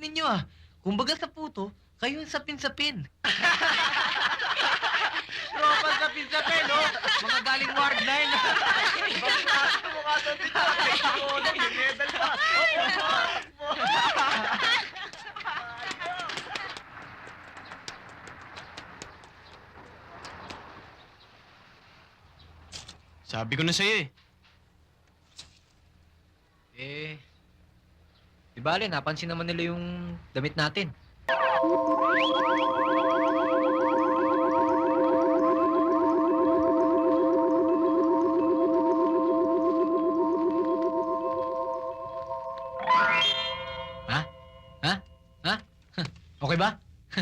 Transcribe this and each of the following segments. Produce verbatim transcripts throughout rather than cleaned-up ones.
ninyo ah. Kumbaga sa puto, kayo ang sapin-sapin. Tropa sa pinsapin, no? Mga galing Ward nine. Bakit mukha sa pinsapin? Oo, medal pa. Sabi ko na sa'yo eh. Eh, di bale, napansin naman nila yung damit natin. Ha? Ha? Ha? Okay ba?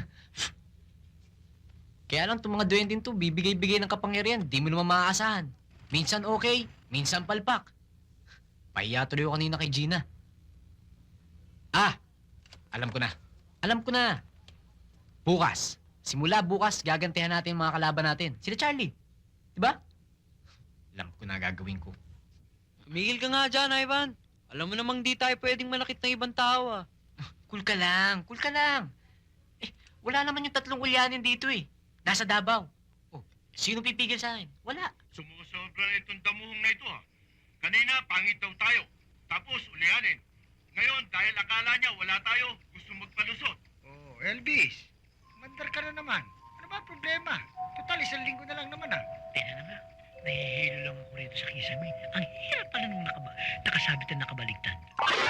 Kaya lang itong mga duwending to, bibigay-bigay ng kapangyarihan, di mo naman maaasahan. Minsan okay, minsan palpak. Pahiya tuloy ako kanina kay Gina. Ah! Alam ko na. Alam ko na. Bukas. Simula bukas, gagantihan natin yung mga kalaban natin. Sila Charlie. Diba? Alam ko na gagawin ko. Tumigil ka nga dyan, Ivan. Alam mo namang di tayo pwedeng manakit ng ibang tao, ah. Cool ka lang. Cool ka lang. Eh, wala naman yung tatlong ulyanin dito eh. Nasa Davao. Oh, sino pipigil sa akin? Wala. Sumusobra na itong damuhong na ito, ha? Kanina, pangit daw tayo. Tapos, ulianin. Ngayon, dahil akala niya wala tayo, gusto magpalusot. Oh, Elvis. Mandar ka na naman. Ano ba ang problema? Total, isang linggo na lang naman, ah. Teka na nga, nahihilo lang ako rito sa kisame. Ang hirap pala nung nakaba nakasabit at nakabaligtad.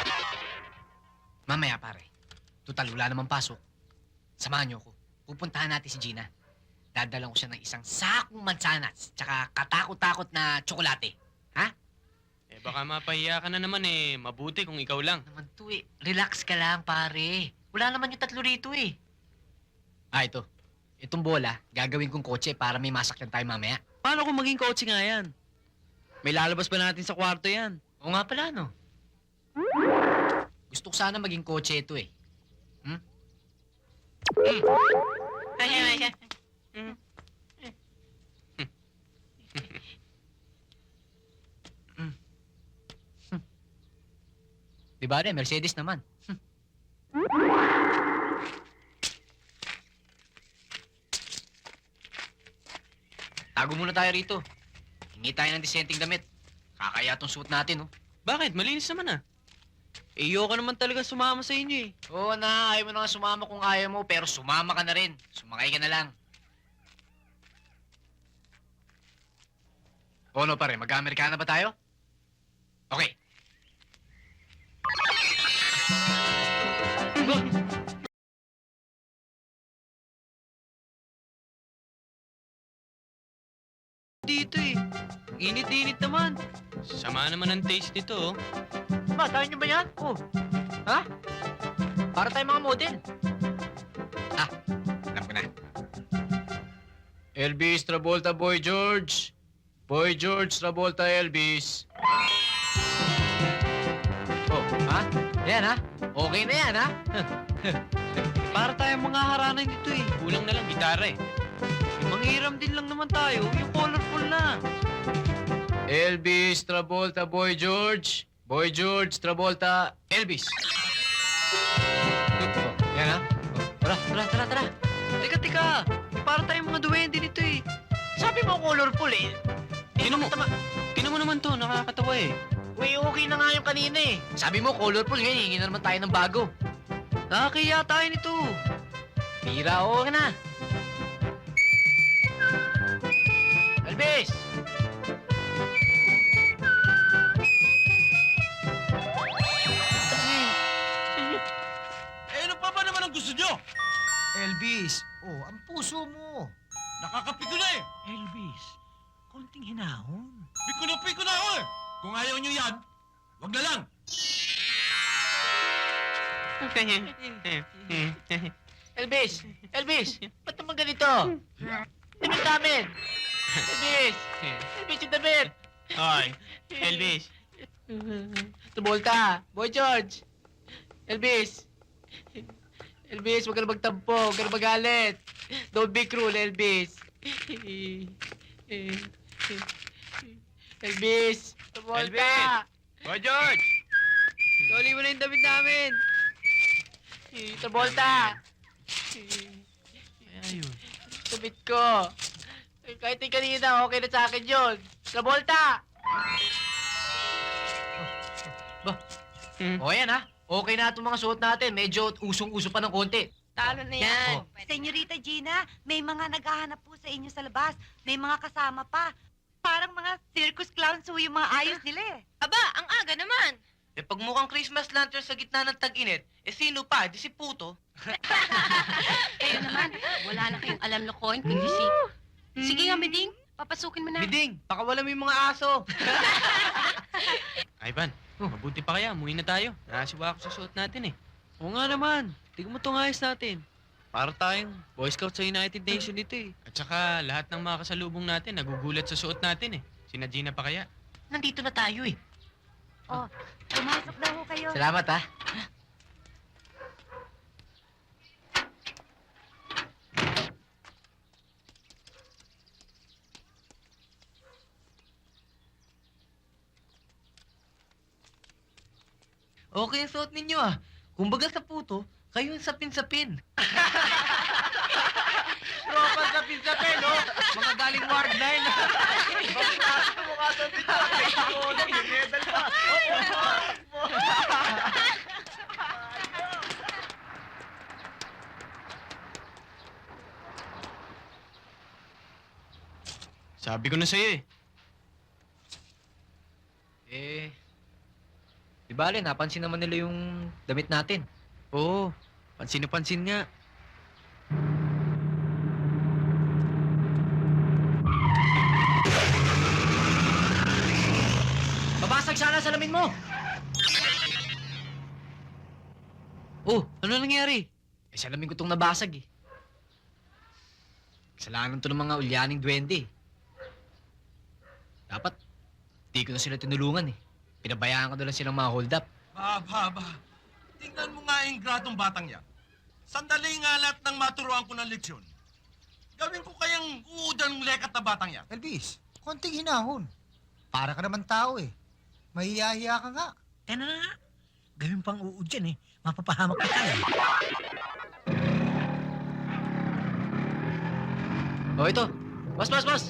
Mamaya pare. Total, wala namang pasok. Samahan niyo ako. Pupuntahan natin si Gina. Dadalang ko siya ng isang sakong mansanas tsaka katakot-takot na tsokolate. Ha? Eh baka mapahiya ka na naman eh. Mabuti kung ikaw lang. Naman to eh. Relax ka lang, pare. Wala naman yung tatlo rito eh. Ah, ito. Itong bola, gagawin kong kotse para may masakyan tayo mamaya. Paano kung maging kotse nga yan? May lalabas pa natin sa kwarto yan. Oo nga pala, no? Gusto ko sana maging kotse ito eh. Hmm? Hmm. Ay, ay, ay, ay. Hmm. Hmm. Hmm. Di ba rin, Mercedes naman. Hmm. Tago muna tayo rito. Hingi tayo ng disenteng damit. Kakaya tong suit natin, oh. Bakit? Malinis naman, ah. Eh, ayoko naman talaga sumama sa inyo, eh. Oo na, ayaw mo na nga sumama kung ayaw mo, pero sumama ka na rin. Sumakay ka na lang. O ano pare, mag-Amerikana ba tayo? Okay. Dito, eh. Init-init naman. Sama naman ang taste nito, oh. Ma, tayo nyo ba yan? Oh. Ha? Para tayo mga model. Ah, alam ko na. Elvis Travolta, Boy George. Boy George Travolta, Elvis. Oh, ha? Yan, ha? Okay na yan, ha? Para tayong mga haranan dito, eh. Kulang na lang gitara eh. Manghiram din lang naman tayo. Yung colorful na. Elvis Travolta, Boy George. Boy George Travolta, Elvis. Oh, yan, ha? Oh, tara, tara, tara, tara. Teka, teka. Eh, para tayong mga duwende nito, eh. Sabi mo colorful, eh. Tinan mo, tinan mo naman to, nakakatawa eh. Uy, okay na nga yung kanina eh. Sabi mo, colorful ngayon, hingi na naman tayo ng bago. Nakakaya tayo nito. Tira, okay na. Elvis! Eh, ano pa ba naman ang gusto nyo? Elvis, oh, ang puso mo. Nakakapiko na eh. Elvis, konting hinahon. Piko na piko na ako eh. Kung ayaw nyo yan, wag na lang. Elvis! Elvis! Ba't naman ganito? Damit namin! Elvis! Elvis yung damit! Hoy, Elvis. Tumulta! Boy George! Elvis! Elvis, huwag ka na magtampo, huwag ka na magalit. Don't be cruel, Elvis. Elvis! Tumulta! Elvis! Boy George! Dali mo na yung damit namin. Travolta! Ayun. Sabit ko. Eh, Kahit yung kanina, okay na sa akin yun. Travolta! Ba? Hmm. O yan ha. Okay na itong mga suot natin. Medyo usong-uso pa ng konti. Talo na yan. Oh. Senyorita Gina, may mga naghahanap po sa inyo sa labas. May mga kasama pa. Parang mga circus clowns ho yung mga ayos nila eh. Aba, ang aga naman. Eh pag mukhang Christmas lantern sa gitna ng tag-init, eh sino pa? Di si Puto. Kayo naman, wala na kayong alam lokohin, kundi si... Sige nga, Meding, papasukin mo na. Biding, pakawala mo yung mga aso. Ivan, mabuti pa kaya. Umuwi na tayo. Nakasiwa ako sa suot natin eh. Oo nga naman. Tingnan mo itong ayos natin. Para tayong Boy Scout sa United Nations dito eh. At saka lahat ng mga kasalubong natin nagugulat sa suot natin eh. Sina Gina pa kaya. Nandito na tayo eh. Oh, pumasok daw ho kayo. Salamat ha. Okay ang suot ninyo ah. Kumbaga sa Puto, kayo yung sapin-sapin. Tropa sapin-sapin, no? Mga galing Ward nine. Bakit nasa mukha sa dito? Oo, nag-medal pa. Sabi ko na sa'yo eh. Eh, di bale, napansin naman nila yung damit natin. Oo, pansin na pansin nga. Babasag sana sa salamin mo! Oh, ano nangyari? Eh, salamin ko itong nabasag eh. Kasalanan to ng mga ulyaning duwende eh. Dapat, di ko na sila tinulungan eh. Pinabayaan ko na lang silang mga hold up. Ba, ba, ba. Tingnan mo nga yung gradong batang yan. Sandali nga lahat ng maturuan ko ng leksyon. Gawin ko kayang uudang lekat na batang yan. Elvis, konting hinahon. Para ka naman tao eh. Mahiyahiya ka nga. Eh na nga. Gawin pang uud dyan eh. Mapapahamak ka tayo. O ito, boss, boss, boss!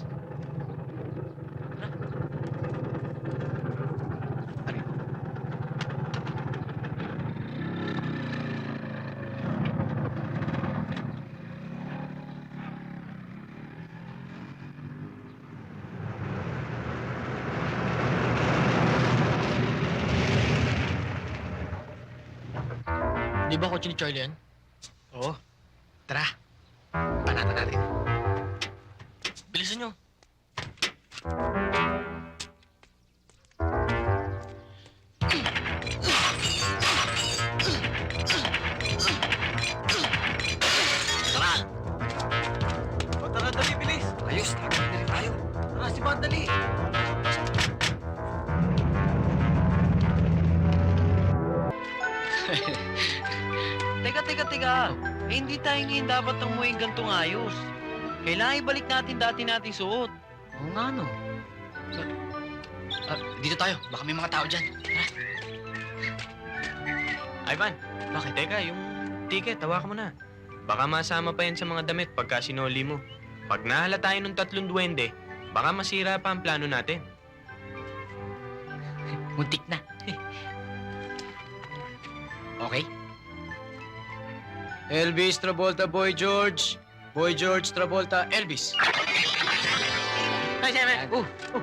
Di ba kotse ni Charlie yan? Oo. Tara, panatan natin. Bilisan nyo. Tara! O tara, dali, bilis. Ayos, dali tayo. Ah, si Bad, dali. Teka, teka, teka. Eh, hindi tayo ngayon dapat umuwi gantong ayos. Kailangan ibalik natin dati nating suot. Oo nga, no. Ah, dito tayo. Baka may mga tao dyan. Tara. Ivan, bakit? Teka, yung ticket, tawakan mo na. Baka masama pa yan sa mga damit pagka sinoli mo. Pag nahala tayo ng tatlong duwende, baka masira pa ang plano natin. Muntik na. Okay? Elvis Travolta, Boy George. Boy George Travolta, Elvis. Ay, sabi. Oh, oh.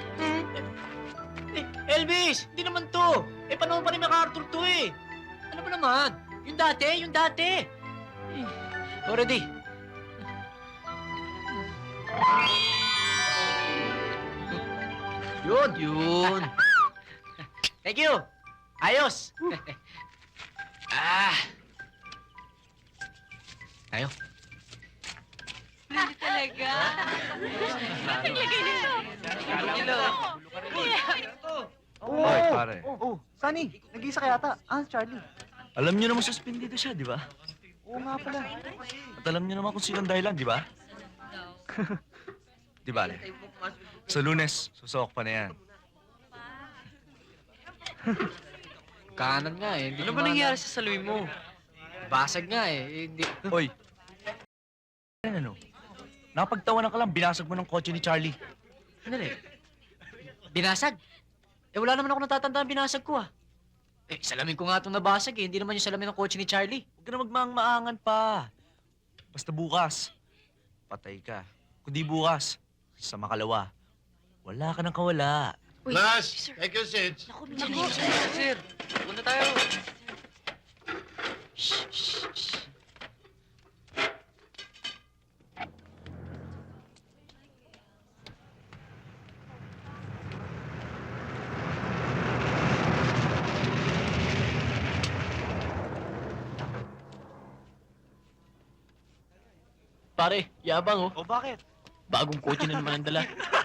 Eh, Elvis! Hindi naman to. Eh, panahon pa ni MacArthur to eh. Ano ba naman? Yung dati, yung dati. Eh, already. Yun. Yun. Thank you. Ayos. ah. Tayo. Hindi talaga. Naglagay nito. Hoy, pare. Oh, Sunny, nag-iisa ka yata. Ah, Charlie. Alam niyo naman suspendido siya, di ba? Oo nga pala. At alam niyo naman kung sino ang dahilan, di ba? Di ba, Le? Sa Lunes, susok pa na yan. Kanan nga eh. Hindi Ano ba nangyari sa salamin mo? Basag nga eh. Eh, Hindi. Hoy. Ano? Napagtawanan ka lang, binasag mo ng kotse ni Charlie. Ano rin? Binasag? Eh wala naman ako natatandaan binasag ko ah. Eh, salamin ko nga itong nabasag eh. Hindi naman yung salamin ng kotse ni Charlie. Huwag ka na magmaang-maangan pa. Basta bukas, patay ka. Kundi bukas, sa makalawa, wala ka nang kawala. Uy, Last, sir. take your seats. Naku, Naku, sir. Punta tayo. Shh, shh, shh. Pare, yabang oh. O bakit? Bagong kotse na naman ang dala.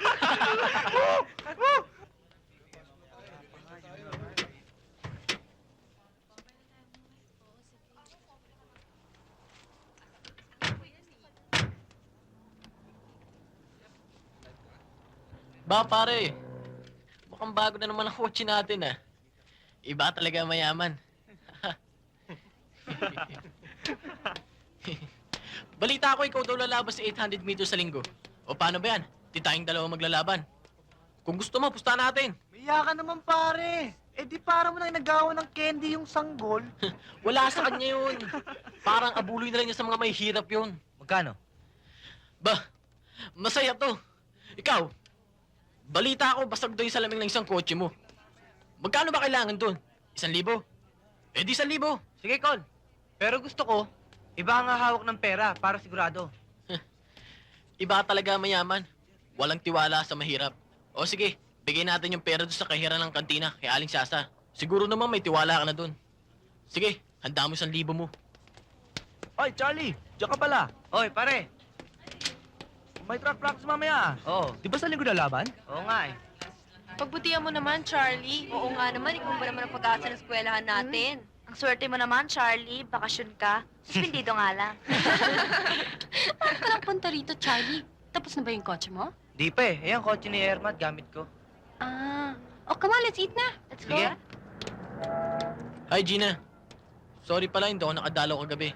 Ba pare, mukhang bago na naman ang kotse natin ah. Iba talaga mayaman. Balita ko ikaw daw lalabas sa eight hundred meters sa linggo. O paano ba yan? Di tayong dalawa maglalaban. Kung gusto mo, pusta natin. Maya ka naman pare. Eh di para mo nang nagawa ng candy yung sanggol. Wala sa kanya yun. Parang abuloy na lang niya sa mga may hirap yun. Magkano? Ba, masaya to. Ikaw, balita ko basag daw yung salamin ng isang kotse mo. Magkano ba kailangan dun? Isang libo? Eh di isang libo. Sige, Col. Pero gusto ko, iba ang hawak ng pera para sigurado. Iba talaga mayaman. Walang tiwala sa mahirap. O sige, bigay natin yung pera doon sa kahira ng kantina kay Aling Sasa. Siguro naman may tiwala ka na doon. Sige, handa mo isang libo mo. Oy, Charlie! Diyan ka pala. Oy, pare. May track practice mamaya. Oo. Di ba sa linggo na laban? Oo nga eh. Pagbutihan mo naman, Charlie. Oo nga naman, ikaw ba naman ang pag-asa ng eskwelahan natin? Ang swerte mo naman, Charlie. Bakasyon ka. Suspendido nga lang. Bakit ka lang punta rito, Charlie? Tapos na ba yung kotse mo? Di pa eh. Ayan, kotse ni Ermat, gamit ko. Ah. Oh, come on, let's eat na. Let's go. Sige. Hi, Gina. Sorry pala, hindi ako nakadalaw kagabi.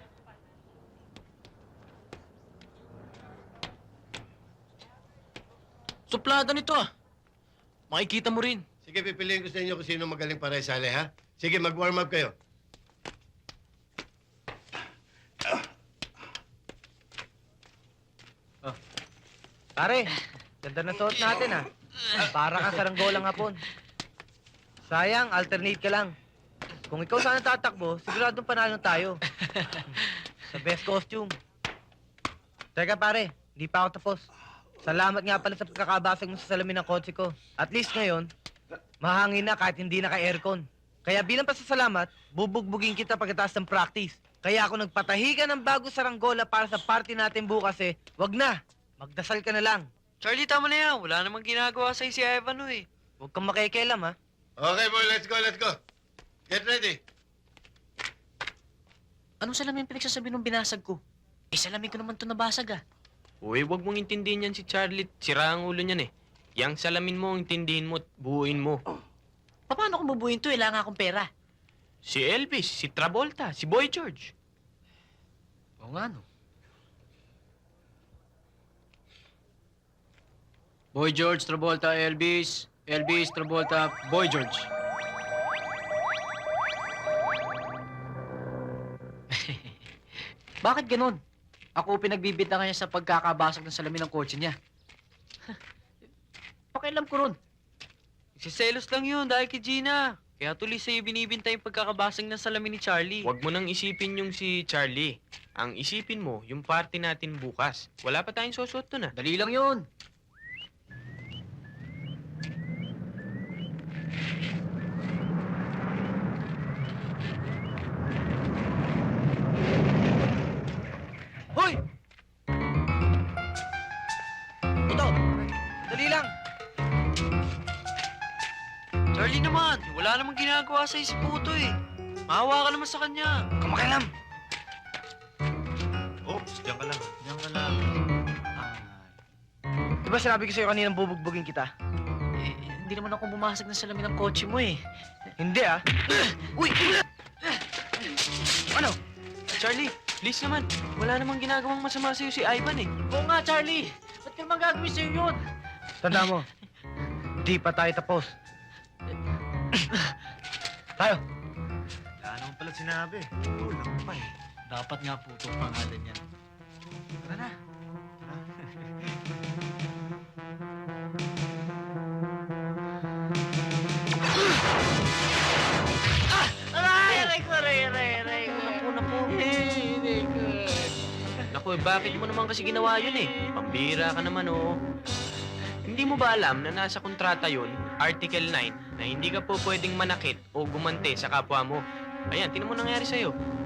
Suplada nito ah. Makikita mo rin. Sige, pipiliin ko sa inyo kung sino magaling para isali, ha? Sige, mag-warm up kayo. Pare, ganda na suot natin ah. Para kang saranggolang hapon. Sayang, alternate ka lang. Kung ikaw sana tatakbo, siguradong panalo tayo. Sa best costume. Teka pare, hindi pa ako tapos. Salamat nga pala sa pagkakabasag mo sa salamin ng kotse ko. At least ngayon, mahangin na kahit hindi naka-aircon. Kaya bilang pasasalamat, bubugbugin kita pagkatapos ng practice. Kaya ako nagpatahi ka ng bago saranggola para sa party natin bukas eh. Wag na, magdasal ka na lang. Charlie, tama na yan. Wala namang ginagawa sa'yo si Ivan, eh. Huwag kang makikialam ha. Okay, boy, let's go, let's go. Get ready. Anong salamin pinagsasabi nung binasag ko? Eh, salamin ko naman to nabasag ah. Uy, wag mong intindihin yan si Charlie. Sira ang ulo niyan eh. Yang salamin mo, intindihin mo at buuin mo. Paano ko bubuhin to? Kailangan akong pera. Si Elvis, si Travolta, si Boy George. Oo nga no. Boy George, Travolta, Elvis. Elvis, Travolta, Boy George. Bakit ganun? Ako pinagbibita niya sa pagkakabasag ng salamin ng kotse niya. Pakialam ko ron. Siselos lang yun dahil kay Gina. Kaya tuloy sa'yo binibintay yung pagkakabasag ng salamin ni Charlie. Huwag mo nang isipin yung si Charlie. Ang isipin mo, yung party natin bukas. Wala pa tayong susuot doon ah. Dali lang yun. Hoy! Ito, dali lang. Charlie naman, wala namang ginagawa sa'yo si Puto eh. Maawa ka naman sa kanya. Kumakialam. Oops, diyan ka lang. Diyan ka lang. Di ba sinabi ko sa'yo kaninang bubugbugin kita? Eh, hindi naman ako bumasag ng salamin ng kotse mo eh. Hindi ah. Uy! Ano? Charlie, please naman. Wala namang ginagawang masama sa'yo si Ivan eh. Oo nga, Charlie. Ba't ka naman gagawin sa'yo yun? Tanda mo, di pa tayo tapos. Tayo. Wala naman pala sinabi. Kulang pa eh. Dapat nga po itong pangalan yan. Tara na. Aray! Aray ko, aray, aray, aray. Naku, naku. Naku, eh, bakit mo naman kasi ginawa yun eh? Pambira ka naman, oh. Hindi mo ba alam na nasa kontrata yun, Article nine, na hindi ka po pwedeng manakit o gumante sa kapwa mo? Ayan, tinan mo nangyari sa'yo.